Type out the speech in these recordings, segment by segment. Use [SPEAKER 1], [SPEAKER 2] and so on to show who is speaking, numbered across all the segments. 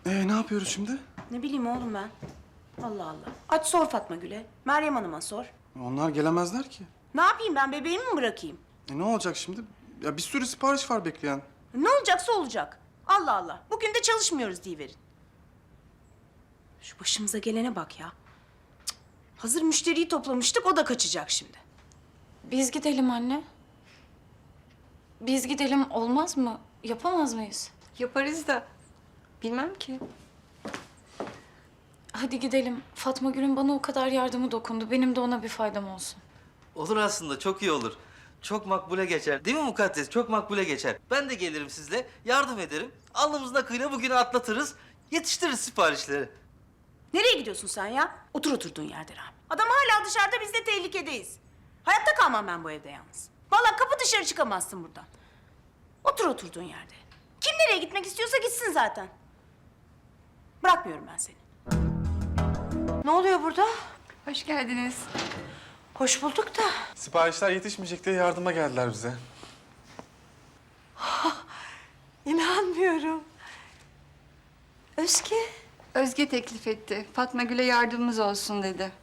[SPEAKER 1] Ne yapıyoruz şimdi?
[SPEAKER 2] Ne bileyim oğlum ben. Allah Allah. Aç sor Fatma Gül'e. Meryem Hanım'a sor.
[SPEAKER 1] Onlar gelemezler ki.
[SPEAKER 2] Ne yapayım ben, bebeğimi mi bırakayım?
[SPEAKER 1] Ne olacak şimdi? Ya bir sürü sipariş var bekleyen.
[SPEAKER 2] Ne olacaksa olacak. Allah Allah. Bugün de çalışmıyoruz diyiverin. Şu başımıza gelene bak ya. Cık. Hazır müşteriyi toplamıştık, o da kaçacak şimdi.
[SPEAKER 3] Biz gidelim anne. Biz gidelim olmaz mı? Yapamaz mıyız?
[SPEAKER 4] Yaparız da bilmem ki.
[SPEAKER 3] Hadi gidelim. Fatma Gül'ün bana o kadar yardımı dokundu. Benim de ona bir faydam olsun.
[SPEAKER 5] Olur aslında, çok iyi olur. Çok makbule geçer. Değil mi Mukaddes? Çok makbule geçer. Ben de gelirim sizle, yardım ederim. Alnımızın akıyla bugünü atlatırız. Yetiştiririz siparişleri.
[SPEAKER 2] Nereye gidiyorsun sen ya? Otur oturduğun yerde Rahmi. Adam hala dışarıda, biz de tehlikedeyiz. Hayatta kalmam ben bu evde yalnız. Vallahi kapı dışarı çıkamazsın buradan. Otur oturduğun yerde. Kim nereye gitmek istiyorsa gitsin zaten. Bırakmıyorum ben seni. Ne oluyor burada?
[SPEAKER 4] Hoş geldiniz.
[SPEAKER 2] Hoş bulduk da.
[SPEAKER 1] Siparişler yetişmeyecek diye yardıma geldiler bize.
[SPEAKER 2] İnanmıyorum. Özge.
[SPEAKER 4] Özge teklif etti. Fatma Gül'e yardımımız olsun dedi.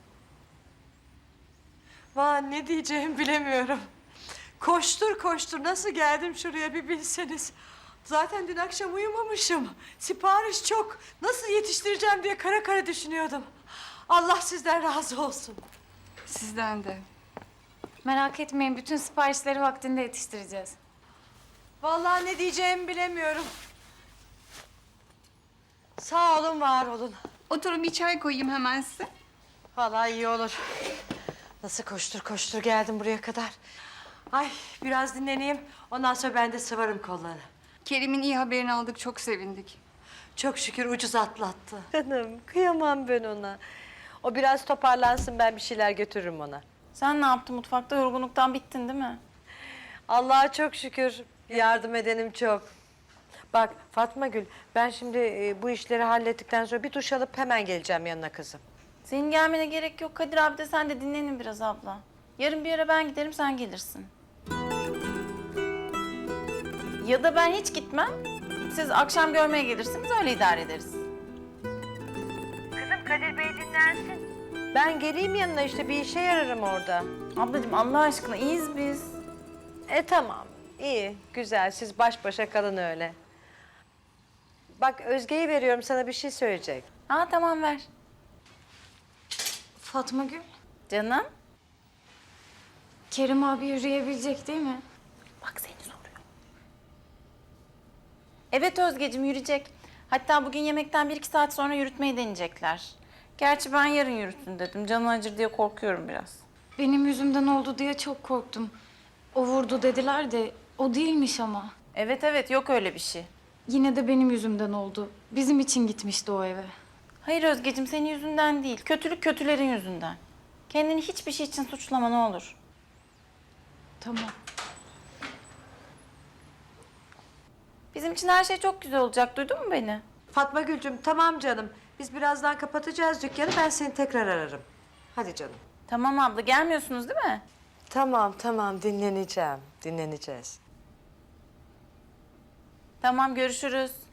[SPEAKER 6] Vah, ne diyeceğimi bilemiyorum. Koştur koştur nasıl geldim şuraya bir bilseniz. Zaten dün akşam uyumamışım. Sipariş çok. Nasıl yetiştireceğim diye kara kara düşünüyordum. Allah sizden razı olsun.
[SPEAKER 4] Sizden de.
[SPEAKER 3] Merak etmeyin. Bütün siparişleri vaktinde yetiştireceğiz.
[SPEAKER 6] Vallahi ne diyeceğimi bilemiyorum. Sağ olun, var olun.
[SPEAKER 4] Oturun, bir çay koyayım hemen size.
[SPEAKER 6] Vallahi iyi olur. Nasıl koştur koştur geldim buraya kadar. Ay, biraz dinleneyim. Ondan sonra ben de sıvarım kolları.
[SPEAKER 4] Kerim'in iyi haberini aldık, çok sevindik.
[SPEAKER 6] Çok şükür ucuz atlattı. Canım, kıyamam ben ona. O biraz toparlansın, ben bir şeyler götürürüm ona.
[SPEAKER 3] Sen ne yaptın mutfakta? Yorgunluktan bittin değil mi?
[SPEAKER 6] Allah'a çok şükür. Yardım edenim çok. Bak Fatma Gül, ben şimdi bu işleri hallettikten sonra bir duş alıp hemen geleceğim yanına kızım.
[SPEAKER 7] Senin gelmene gerek yok. Kadir abi de sen de dinlenin biraz abla. Yarın bir yere ben giderim, sen gelirsin. Ya da ben hiç gitmem. Siz akşam görmeye gelirsiniz, öyle idare ederiz.
[SPEAKER 6] Kızım Kadir Bey dinlensin. Ben geleyim yanına, işte bir işe yararım orada.
[SPEAKER 7] Ablacığım Allah aşkına iyiyiz biz.
[SPEAKER 6] Tamam, iyi, güzel. Siz baş başa kalın öyle. Bak Özge'yi veriyorum, sana bir şey söyleyecek.
[SPEAKER 7] Ha tamam ver.
[SPEAKER 3] Fatma Gül,
[SPEAKER 7] Canım.
[SPEAKER 3] Kerim abi yürüyebilecek değil mi?
[SPEAKER 7] Bak seni soruyor. Evet Özgeciğim yürüyecek. Hatta bugün yemekten 1-2 saat sonra yürütmeyi deneyecekler. Gerçi ben yarın yürütün dedim. Canı acır diye korkuyorum biraz.
[SPEAKER 3] Benim yüzümden oldu diye çok korktum. O vurdu dediler de o değilmiş ama.
[SPEAKER 7] Evet yok öyle bir şey.
[SPEAKER 3] Yine de benim yüzümden oldu. Bizim için gitmişti o eve.
[SPEAKER 7] Hayır Özgeciğim senin yüzünden değil. Kötülük kötülerin yüzünden. Kendini hiçbir şey için suçlama ne olur.
[SPEAKER 3] Tamam.
[SPEAKER 7] Bizim için her şey çok güzel olacak. Duydun mu beni?
[SPEAKER 6] Fatma Gülcüm, tamam canım. Biz birazdan kapatacağız dükkanı, ben seni tekrar ararım. Hadi canım.
[SPEAKER 7] Tamam abla gelmiyorsunuz değil mi?
[SPEAKER 6] Tamam, dinleneceğim. Dinleneceğiz.
[SPEAKER 7] Tamam görüşürüz.